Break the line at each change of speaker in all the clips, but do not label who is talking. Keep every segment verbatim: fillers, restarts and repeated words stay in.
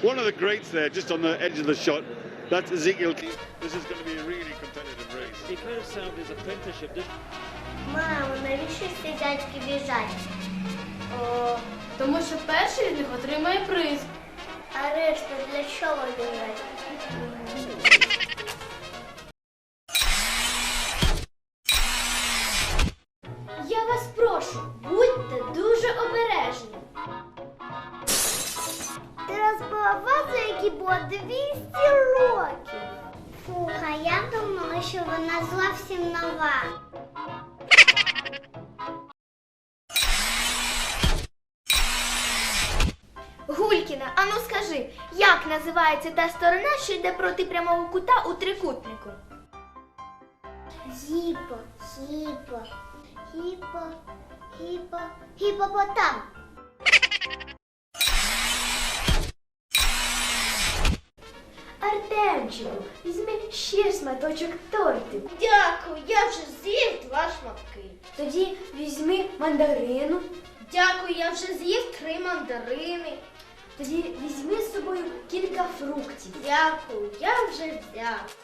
One of the greats there, just on the edge of the shot, that's Ezekiel. This is going to be a really competitive race.
He could have served his apprenticeship, didn't
Мамо, навіщо ці дядьки біжать?
О, тому що перший з них отримає приз.
А решта для чого біжать?
Я вас прошу, будьте дуже обережні.
Ти розбила вазу, якій було двісті років. Фух, а я думала, що вона зовсім нова.
Гулькіна, ану скажи, як називається та сторона, що йде проти прямого кута у трикутнику?
Гіпо, гіпо, гіпо, гіпо, гіпопотам.
Артемчику, візьми ще шматочок тортику.
Дякую, я вже з'їв два шматки.
Тоді візьми мандарину.
Дякую, я вже з'їв три мандарини.
Тоді візьми з собою кілька фруктів.
Дякую, я вже взяв.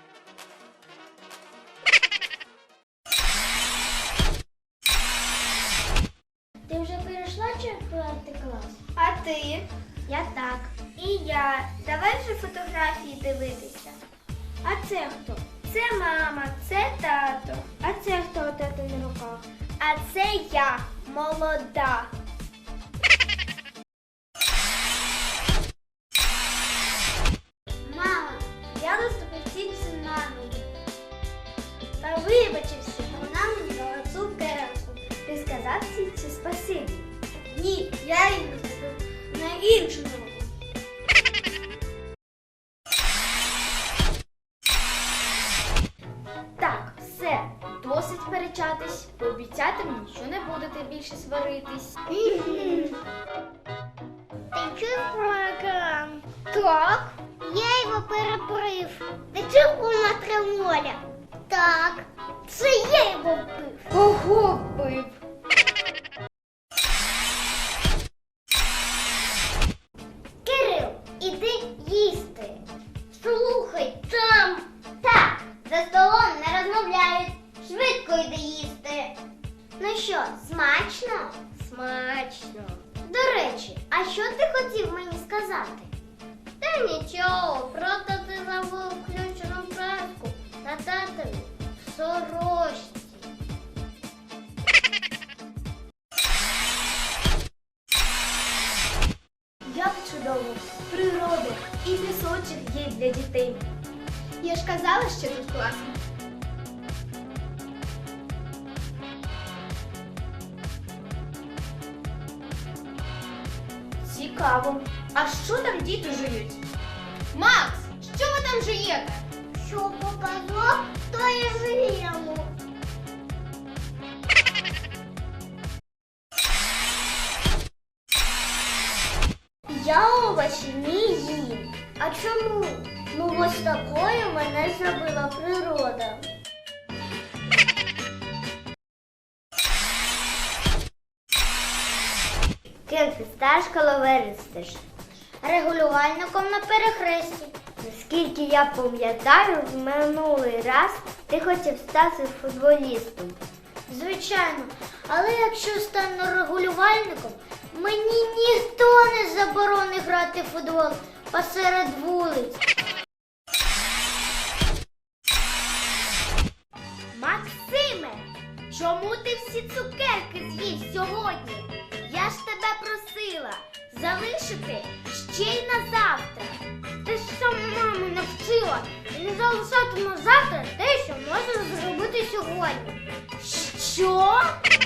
Ти вже перейшла четвертий клас?
А ти?
Я так. І я. Давай вже фотографії дивитися.
А це хто?
Це мама, це тато.
А це хто у тата на руках?
А це я, молода. Мама, я наступив тільки на ноги. Та вибачився, вона мені дала цукерку.
Ти сказав тітці спасибі.
Ні, я її наступив на іншу ногу.
Так, все, досить сперечатись. Пообіцяти мені, що не будете більше сваритись.
Ти чув про екран? Так. Я його перебрив. Ти чув про матремоля? Так. Це я його вбив.
Кого бив?
Кирил, іди їсти. Слухай, там. Так, за столом не розмовляють. Швидко йди їсти. Ну що, смачно? Смачно. До речі, а що ти хотів мені сказати? Та нічого, просто ти забув включену праску на татові в сорочці.
Як чудово, природа і пісочок є для дітей. Я ж казала, що тут класно. Цікаво. А що там діти жують? Макс, що ви там жуєте?
Що показав, то і живемо. Я овочі не їм. А чому? Ну ось такою мене зробила природа. Ким ти сташ, коли виростеш? Регулювальником на перехресті. Наскільки я пам'ятаю, в минулий раз ти хотів стати футболістом. Звичайно, але якщо стану регулювальником, мені ніхто не заборонить грати в футбол посеред вулиць. Максиме, чому ти всі цукерки з'їв сьогодні? Я ж тебе просила залишити ще й на завтра. Ти ж сам маму навчила не залишати на завтра те, що можна зробити сьогодні. Що?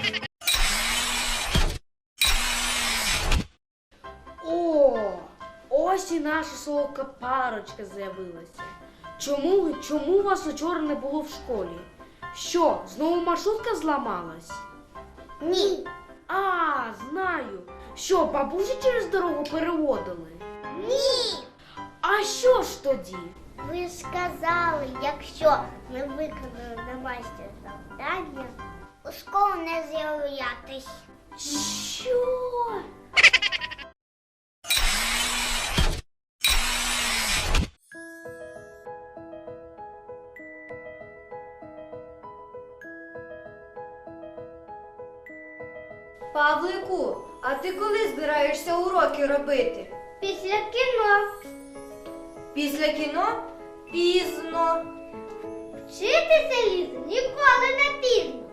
О, ось і наша солодка парочка з'явилася. Чому, чому вас учора не було в школі? Що, знову маршрутка зламалась?
Ні.
А, знаю. Що, бабусі через дорогу переводили?
Ні.
А що ж тоді?
Ви ж сказали, якщо не виконали домашнє завдання, у школу не з'являтись.
Що?
Павлику, а ти коли збираєшся уроки робити?
Після кіно.
Після кіно? Пізно.
Вчитися, Ліза, ніколи не пізно.